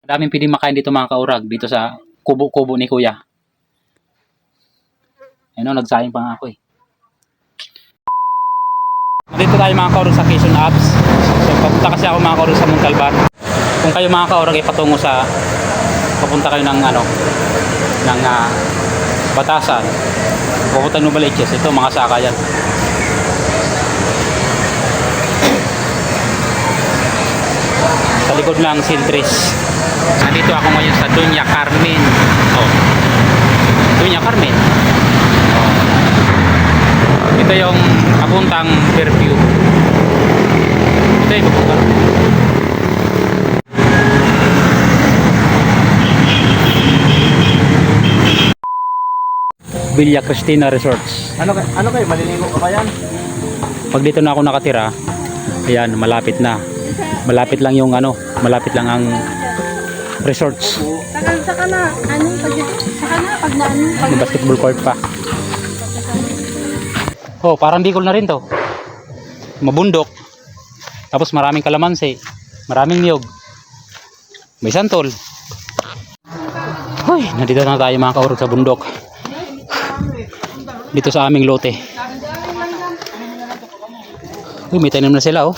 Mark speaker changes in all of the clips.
Speaker 1: Daming pwedeng makain dito mga kaurag, dito sa kubo-kubo ni Kuya. Ayun o, nagsayang pa nga ako eh. Dito tayo mga kaurag sa Quezon Apps. So papunta kasi ako mga kaurag sa Montalban. Kung kayo mga kaurag ay patungo sa, papunta kayo ng ano, ng Batasan, papunta ng Novaliches, ito mga saka yan. Sa likod lang Sintris. Nandito ako ngayon sa Doña Carmen. Oh. Doña Carmen. Oh. Ito yung papuntang Fairview. Ito yung papuntang Villa Cristina Resorts.
Speaker 2: Ano kayo? Maliligo ka ba yan?
Speaker 1: Pag dito na ako nakatira, ayan, malapit na. Malapit lang yung ano, malapit lang ang resorts.
Speaker 3: Saka na, pag
Speaker 1: May basketball court pa. Oh, parang Bicol na rin to. Mabundok. Tapos maraming kalamansi, maraming niyog. May santol. Hoy, nandito na tayo mga kaurog sa bundok. Dito sa aming lote. Uy, may tanim na sila oh.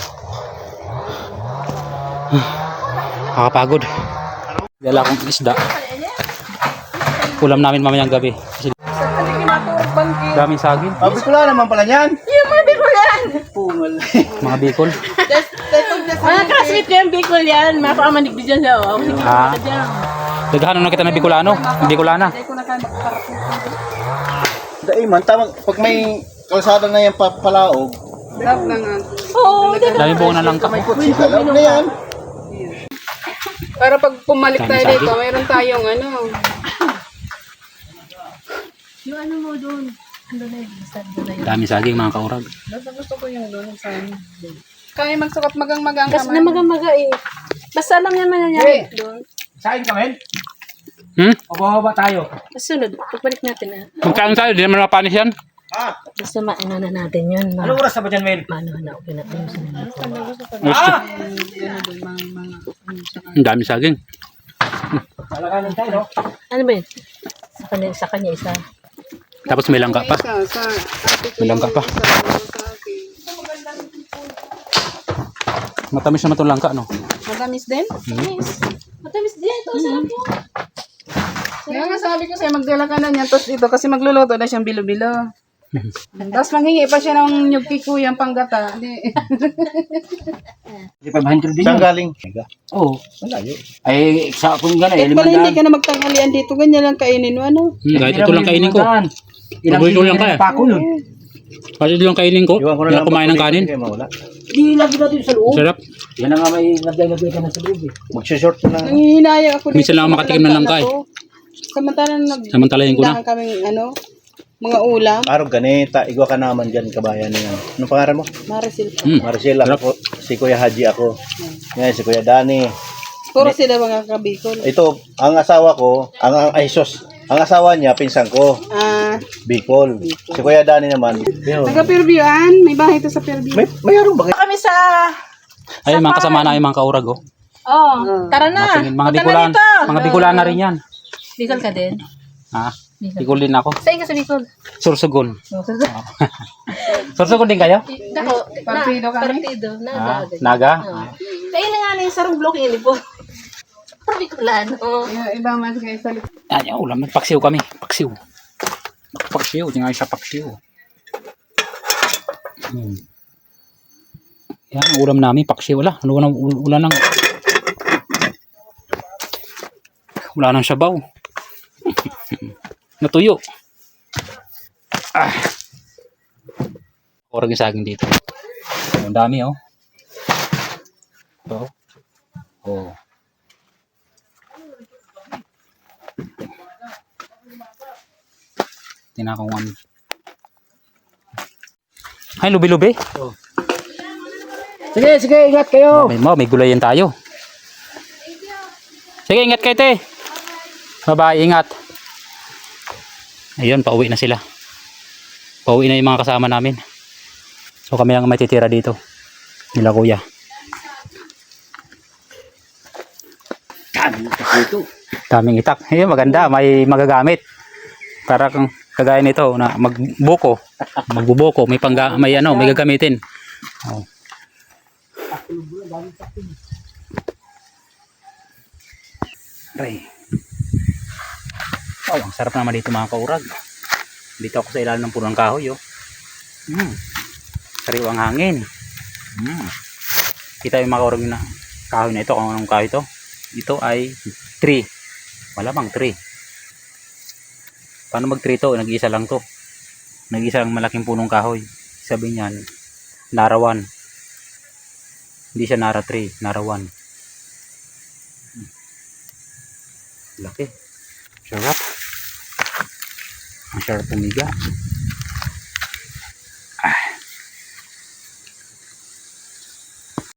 Speaker 1: Nakakapagod. Dala akong isda. Ulam namin mamayang gabi. Kasi daming saging.
Speaker 2: Bicol naman pala yan.
Speaker 3: yung mga Bicol yan!
Speaker 2: Pungal.
Speaker 1: Mga Bicol.
Speaker 3: Mga classmate ko yung Bicol yan. Mapakamanig din dyan siya.
Speaker 1: Ah. Daghanon na kita na Bicolano. Bicolana.
Speaker 2: Dahil man, tamang pag may kalsada na yan palaog,
Speaker 3: Oo,
Speaker 1: Dami buong na lang ka.
Speaker 2: may kutsi kalaog na yan.
Speaker 4: Para pag pumalik
Speaker 1: Dami
Speaker 4: tayo
Speaker 1: saging.
Speaker 4: dito, mayroon tayong ano.
Speaker 3: yung ano mo doon. Ano na yun?
Speaker 1: Dami saging mga kaurag.
Speaker 4: Gusto ko yung doon sa kaya magsukat magang-magang
Speaker 3: Kasi na maga eh. Basta lang yan mananyari doon.
Speaker 2: Sain kami?
Speaker 1: Hmm?
Speaker 2: tayo.
Speaker 3: Masunod, pagbalik natin na.
Speaker 1: Magkain tayo, di naman mapanis yan.
Speaker 3: Basta maano na natin yun.
Speaker 2: Ano oras na ba dyan, Mel?
Speaker 3: Maano na, okay natin yung sinunod ko.
Speaker 1: Ang dami saging.
Speaker 2: Alakanan tayo, no?
Speaker 3: Ano ba yun? Sa kanya isa.
Speaker 1: Tapos may langka pa.
Speaker 4: sa
Speaker 1: May langka pa. Matamis naman itong langka, no?
Speaker 4: Matamis din?
Speaker 3: Matamis din ito. Sarap yun.
Speaker 4: Kaya nga sabi ko sa'yo, magdala ka na niyan. Tapos ito, kasi magluluto na siyang bilo-bilo. Tapos manghingi pa siya ng nyug kay Kuya panggata. Hindi.
Speaker 2: 500 din. Saan galing? Oo. Malayo. Ay, sa kung gano'n,
Speaker 4: Pala hindi ka na magtanghalian dito. Ganyan lang kainin mo, ano?
Speaker 1: Kahit ito lang kainin ko. Paborito lang kaya.
Speaker 2: Pako yun.
Speaker 1: Kahit ito lang kainin ko. Hindi ako kumain ng kanin.
Speaker 2: Di lagi natin sa loob.
Speaker 1: Sarap.
Speaker 2: Yan na nga may naglagay ka na sa loob eh. Magsishort na.
Speaker 4: Nangihinayang ako
Speaker 1: Minsan lang ako makatikim ng langka eh.
Speaker 4: Samantalang
Speaker 1: Samantalayin ko na.
Speaker 4: nagdahan kaming ano, mga ulam.
Speaker 2: Araw ganita, igwa ka naman dyan, kabayan niya. Anong pangalan mo?
Speaker 4: Marisil.
Speaker 2: Maricel, ako, si Kuya Haji ako. Ngayon, si Kuya Dani.
Speaker 4: Puro sila mga kabikol.
Speaker 2: Ito, ang asawa ko, ang asawa niya, pinsan ko, Bicol. Si Kuya Dani naman.
Speaker 4: Taga Fairviewan, may bahay ito sa Fairview.
Speaker 2: Mayroon ba?
Speaker 3: Kami sa...
Speaker 1: Ay, mga kasama na yung mga kaurag oh.
Speaker 3: Oh, tara na.
Speaker 1: Mga Bicolan. Mga Bicolan na rin yan.
Speaker 3: Bicol ka din?
Speaker 1: Ha? Bicol din ako.
Speaker 3: Saan ka sa Bicol?
Speaker 1: Sursugon. Sursugon din kayo?
Speaker 3: Ako,
Speaker 4: Partido kami.
Speaker 3: Partido.
Speaker 1: Ah,
Speaker 3: Naga.
Speaker 1: Naga?
Speaker 3: Kaya na nga na yung sarong block yun po. Bicolano.
Speaker 4: Yung iba mas kayo sa likod.
Speaker 1: Yan, yung ulam. Paksiw kami. Paksiw. Paksiw. Tingnan sa paksiw. Yan, ang ulam namin. Paksiw. Wala. Wala nang... Wala nang sabaw. Natuyo. Orag yung saging dito. Ang dami oh. Ito. Oh. Tinakong ano. Ay, lubi-lubi.
Speaker 2: Oh. Sige, ingat kayo.
Speaker 1: May gulayan tayo. Sige, ingat kayo, te. Bye-bye, ingat. Ayun, pauwi na sila. Pauwi na yung mga kasama namin. So kami lang may titira dito. Nila Kuya. Daming itak. Ayun, maganda. May magagamit. Para kang kagaya nito na magbuko. Magbubuko. May may gagamitin. Oh. Aray. Oh, ang sarap naman dito mga kaurag. Dito ako sa ilalim ng punong kahoy. Oh. Sariwang hangin. Kita yung mga kaurag na kahoy na ito. Kung anong kahoy ito. Ito ay tree. Malamang tree. Paano mag tree to? Nag-iisa lang to. Nag-iisa lang malaking punong kahoy. Sabi niyan, narawan. Hindi siya nara tree, narawan. Laki. Sarap. Ang sarap pumiga.